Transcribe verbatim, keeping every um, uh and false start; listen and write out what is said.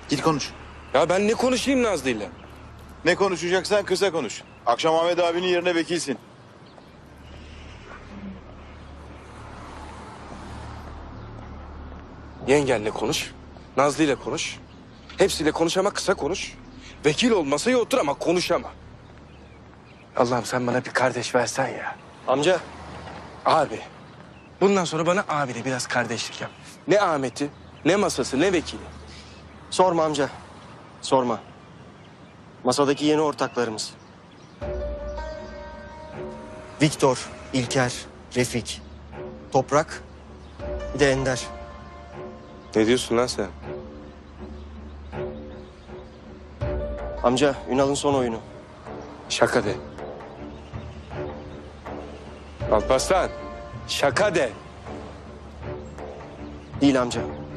Git konuş. Ya ben ne konuşayım Nazlı'yla? Ne konuşacaksan kısa konuş. Akşam Ahmet abinin yerine vekilsin. Yengenle konuş. Nazlı'yla konuş. Hepsiyle konuş ama kısa konuş. Vekil ol masaya otur ama konuşama. Allah'ım sen bana bir kardeş versen ya. Amca, Abi. Bundan sonra bana abiyle biraz kardeşlik yap. Ne Ahmet'i, ne masası, ne vekili. sorma amca. Sorma. Masadaki yeni ortaklarımız. Viktor, İlker, Refik, Toprak, bir de Ender. Ne diyorsun lan sen? Amca, Ünal'ın son oyunu. Şaka de. Alparslan, şaka de. Değil amca.